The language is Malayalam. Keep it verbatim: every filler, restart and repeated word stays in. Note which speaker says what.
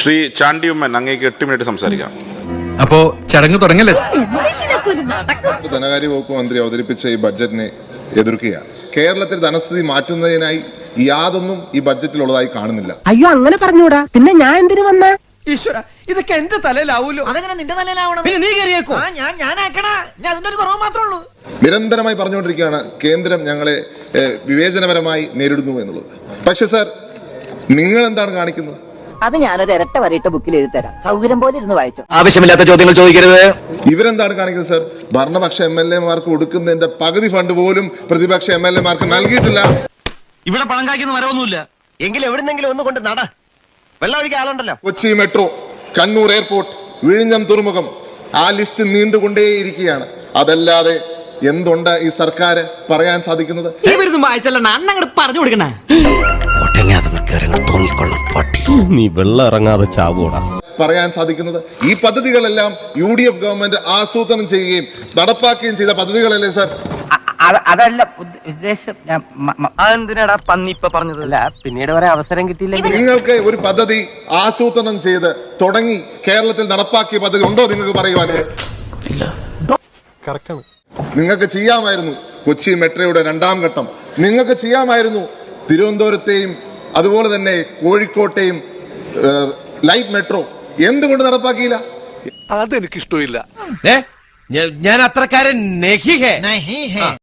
Speaker 1: ശ്രീ ചാണ്ടി ഉമ്മൻ അങ്ങേക്ക് എട്ട് മിനിറ്റ് സംസാരിക്കാം.
Speaker 2: അപ്പോ ചടങ്ങ് തുടങ്ങല്ലേ?
Speaker 3: ധനകാര്യ വകുപ്പ് മന്ത്രി അവതരിപ്പിച്ച ഈ ബഡ്ജറ്റിനെ എതിർക്കുകയാണ്. കേരളത്തിൽ ധനസ്ഥിതി മാറ്റുന്നതിനായി യാതൊന്നും ഈ ബഡ്ജറ്റിലുള്ളതായി കാണുന്നില്ല.
Speaker 4: അയ്യോ അങ്ങനെ പറഞ്ഞൂടാ, പിന്നെ ഞാൻ എന്തിനു വന്ന?
Speaker 5: ഈശ്വര, ഇതൊക്കെ എന്റെ തലയിലാവൂലോ. അതെങ്ങനെ നിന്റെ തലയിലാവണം? പിന്നെ നീ കയറിയേക്കോ? ഞാൻ ഞാനാക്കണ ഞാൻ അതിന്റെ ഒരു കുറവ് മാത്രമേ ഉള്ളൂ.
Speaker 3: നിരന്തരമായി പറഞ്ഞുകൊണ്ടിരിക്കുകയാണ് കേന്ദ്രം ഞങ്ങളെ വിവേചനപരമായി നേരിടുന്നു എന്നുള്ളത്. പക്ഷെ സാർ, നിങ്ങൾ എന്താണ് കാണിക്കുന്നത്?
Speaker 6: അത് ഞാനൊരു ഇരട്ട വരയിട്ട ബുക്കിൽ എഴുതി തരാം, സൗകര്യം പോലെ ഇരുന്ന് വായിച്ചു.
Speaker 2: ആവശ്യമില്ലാത്ത ചോദ്യങ്ങൾ ചോദിക്കരുത്.
Speaker 3: ഇവരെന്താണ് കാണിക്കുന്നത് സാർ? ഭരണപക്ഷ എം എൽ എമാർക്ക് കൊടുക്കുന്നതിന്റെ പകുതി ഫണ്ട് പോലും പ്രതിപക്ഷ എം എൽ എമാർക്ക് നൽകിയിട്ടില്ല.
Speaker 5: ഇവിടെ പണം കായ്ക്കുന്ന മരമൊന്നുമില്ല. എങ്കിലും എവിടുന്നെങ്കിലും ഒന്ന് കൊണ്ട് നട. വെള്ളം ഒഴിക്കാൻ ആളുണ്ടല്ലോ.
Speaker 3: കൊച്ചി മെട്രോ, കണ്ണൂർ എയർപോർട്ട്, വിഴിഞ്ഞം തുറമുഖം, ആ ലിസ്റ്റ് നീണ്ടുകൊണ്ടേയിരിക്കുകയാണ്. അതല്ലാതെ എന്തുണ്ട് ഈ സർക്കാർ പറയാൻ സാധിക്കുന്നത്?
Speaker 5: പറഞ്ഞു കൊടുക്കണ
Speaker 7: നീ വെള്ളം ഇറങ്ങാതെ ചാവൂടാ
Speaker 3: പറയാൻ സാധിക്കുന്നത് ഈ പദ്ധതികളെല്ലാം യു ഡി എഫ് ഗവൺമെന്റ് ആസൂത്രണം ചെയ്യുകയും നടപ്പാക്കുകയും ചെയ്ത പദ്ധതികളല്ലേ സാർ?
Speaker 6: അതല്ല ഉദ്ദേശം.
Speaker 5: എന്തിനാടാ പന്നി ഇപ്പൊ പറഞ്ഞതല്ല, പിന്നീട് വരെ അവസരം കിട്ടിയില്ല.
Speaker 3: നിങ്ങൾക്ക് ഒരു പദ്ധതി ആസൂത്രണം ചെയ്ത് തുടങ്ങി കേരളത്തിൽ നടപ്പാക്കിയ പദ്ധതി ഉണ്ടോ നിങ്ങൾക്ക് പറയുവാൻ? നിങ്ങൾക്ക് ചെയ്യാമായിരുന്നു കൊച്ചി മെട്രോയുടെ രണ്ടാം ഘട്ടം. നിങ്ങൾക്ക് ചെയ്യാമായിരുന്നു തിരുവനന്തപുരത്തെയും അതുപോലെ തന്നെ കോഴിക്കോട്ടെയും ലൈറ്റ് മെട്രോ. എന്തുകൊണ്ട് നടപ്പാക്കിയില്ല?
Speaker 8: അതെനിക്കിഷ്ടമില്ല.
Speaker 5: ഞാൻ അത്രക്കാരൻ